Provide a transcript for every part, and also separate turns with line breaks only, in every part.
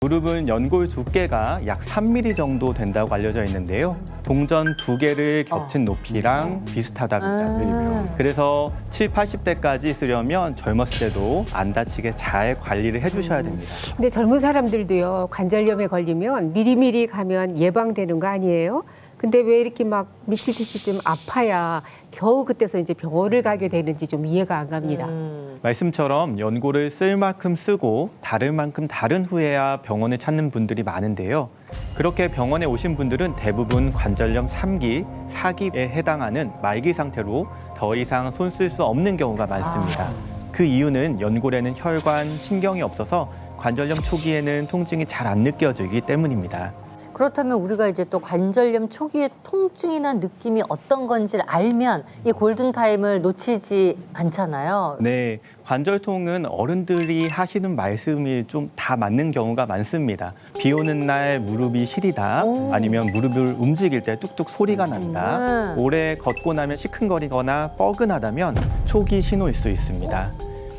무릎은 연골 두께가 약 3mm 정도 된다고 알려져 있는데요. 동전 2개를 겹친 높이랑 비슷하다고 합니다. 그래서 7, 80대까지 쓰려면 젊었을 때도 안 다치게 잘 관리를 해주셔야 됩니다.
근데 젊은 사람들도요, 관절염에 걸리면 미리미리 가면 예방되는 거 아니에요? 근데 왜 이렇게 막 미치듯이 좀 아파야 겨우 그때서 이제 병원을 가게 되는지 좀 이해가 안 갑니다.
말씀처럼 연골을 쓸 만큼 쓰고 다를 만큼 다른 후에야 병원을 찾는 분들이 많은데요. 그렇게 병원에 오신 분들은 대부분 관절염 3기, 4기에 해당하는 말기 상태로 더 이상 손 쓸 수 없는 경우가 많습니다. 그 이유는 연골에는 혈관, 신경이 없어서 관절염 초기에는 통증이 잘 안 느껴지기 때문입니다.
그렇다면 우리가 이제 또 관절염 초기의 통증이나 느낌이 어떤 건지를 알면 이 골든타임을 놓치지 않잖아요.
네, 관절통은 어른들이 하시는 말씀이 좀 다 맞는 경우가 많습니다. 비 오는 날 무릎이 시리다, 아니면 무릎을 움직일 때 뚝뚝 소리가 난다, 오래 걷고 나면 시큰거리거나 뻐근하다면 초기 신호일 수 있습니다.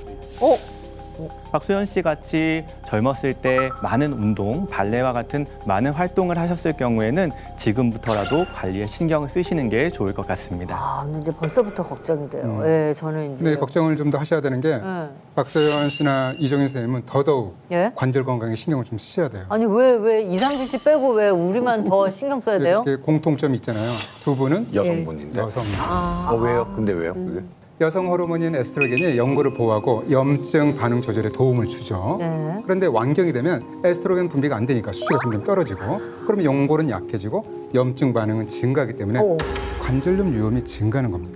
박소연 씨 같이 젊었을 때 많은 운동, 발레와 같은 많은 활동을 하셨을 경우에는 지금부터라도 관리에 신경을 쓰시는 게 좋을 것 같습니다.
아, 근데 이제 벌써부터 걱정이 돼요. 예, 저는 이제.
근데 걱정을 좀 더 하셔야 되는 게 박소연 씨나 이종인 선생님은 더더욱
예?
관절 건강에 신경을 좀 쓰셔야 돼요.
아니 왜 이상준 씨 빼고 왜 우리만 더 신경 써야 돼요?
이렇게 공통점이 있잖아요. 두 분은
여성분인데.
여성.
왜요? 근데 왜요? 그게?
여성 호르몬인 에스트로겐이 연골을 보호하고 염증 반응 조절에 도움을 주죠.
네.
그런데 완경이 되면 에스트로겐 분비가 안 되니까 수치가 점점 떨어지고, 그러면 연골은 약해지고 염증 반응은 증가하기 때문에
오.
관절염 위험이 증가하는 겁니다.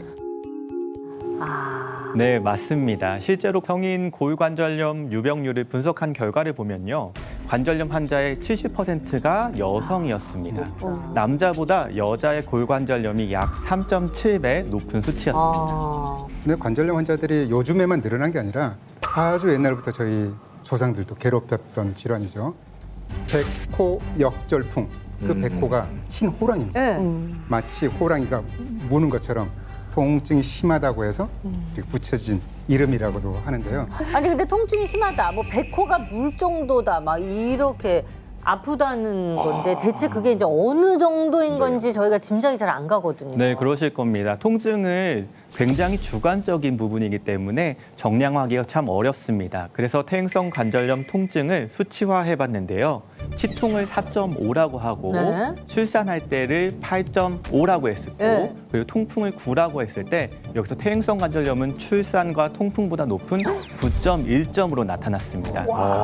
네, 맞습니다. 실제로 성인 고위관절염 유병률을 분석한 결과를 보면요. 관절염 환자의 70%가 여성이었습니다. 남자보다 여자의 고위관절염이 약 3.7배 높은 수치였습니다.
근데 관절염 환자들이 요즘에만 늘어난 게 아니라 아주 옛날부터 저희 조상들도 괴롭혔던 질환이죠. 백호 역절풍. 그 백호가 흰 호랑이입니다.
네.
마치 호랑이가 무는 것처럼 통증이 심하다고 해서 이렇게 붙여진 이름이라고도 하는데요.
아니 근데 통증이 심하다. 뭐 백호가 물 정도다. 막 이렇게 아프다는 건데 대체 그게 이제 어느 정도인 건지 저희가 짐작이 잘 안 가거든요.
네, 그러실 겁니다. 통증은 굉장히 주관적인 부분이기 때문에 정량화하기가 참 어렵습니다. 그래서 퇴행성 관절염 통증을 수치화해 봤는데요. 치통을 4.5라고 하고
네.
출산할 때를 8.5라고 했을 때
네.
그리고 통풍을 9라고 했을 때 여기서 퇴행성 관절염은 출산과 통풍보다 높은 9.1점으로 나타났습니다.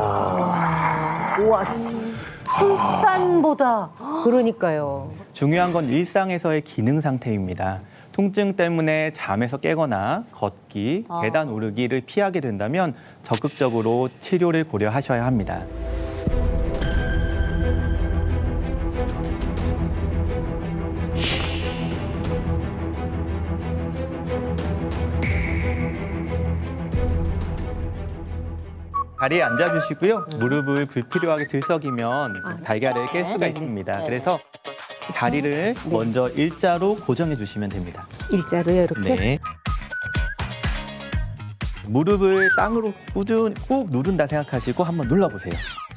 우와. 출산보다.
그러니까요.
중요한 건 일상에서의 기능 상태입니다. 통증 때문에 잠에서 깨거나 걷기, 계단 오르기를 피하게 된다면 적극적으로 치료를 고려하셔야 합니다. 다리에 앉아주시고요. 무릎을 불필요하게 들썩이면 달걀을 깰 수가 있습니다. 그래서 다리를 먼저 일자로 고정해 주시면 됩니다.
일자로요, 이렇게.
네. 무릎을 땅으로 꾹 누른다 생각하시고 한번 눌러보세요.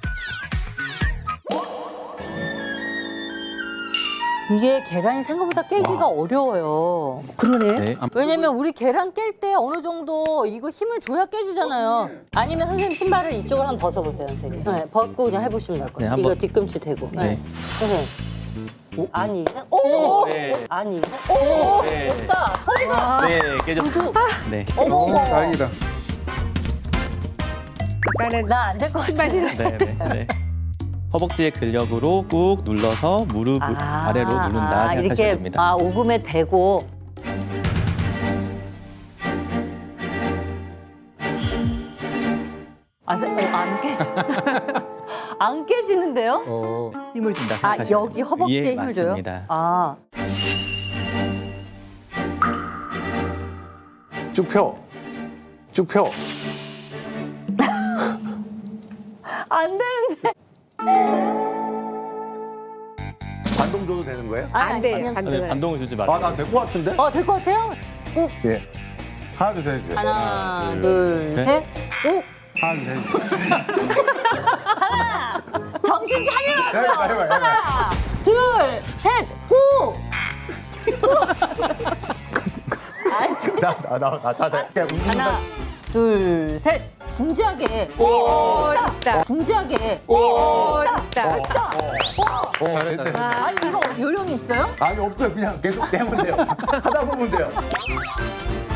이게 계란이 생각보다 깨기가 어려워요.
그러네.
네.
왜냐면 우리 계란 깰 때 어느 정도 이거 힘을 줘야 깨지잖아요. 아니면 선생님 신발을 이쪽으로 한번 벗어보세요, 선생님. 네, 벗고 그냥 해보시면 될 거예요.
네, 한번.
이거 뒤꿈치 대고.
네.
선생님. 아니, 오!
네.
아니, 오!
네.
됐다! 소리가!
네, 깨졌습니다. 네.
어머,
다행이다.
아까는
나 안 될 것 같아.
네, 네, 네. 허벅지의 근력으로 꾹 눌러서 무릎 아래로 누른다 생각하시면
이렇게
됩니다.
오금에 대고. 안 깨. 안 깨지는데요?
힘을 준다
아,
생각하시면
여기 허벅지에
예,
힘을 줘요?
맞습니다.
아.
쭉 펴. 쭉 펴.
안 되는데.
반동 줘도 되는 거예요?
안 돼요.
그냥-
안
네,
돼요.
반동을 주지 마세요.
아, 나 될 것 같은데?
될 것 같아요?
예. 하나, 둘, 셋 해주세요.
하나, 둘,
셋.
셋. 오!
하나, 둘, 셋 해주세요.
해봐.
하나, 둘, 셋, 후! 하나, 둘, 셋. 진지하게.
됐다.
진지하게.
됐다.
아니, 이거 요령이 있어요?
아니 없어요. 그냥 계속 되면 돼요. 하다 보면 돼요.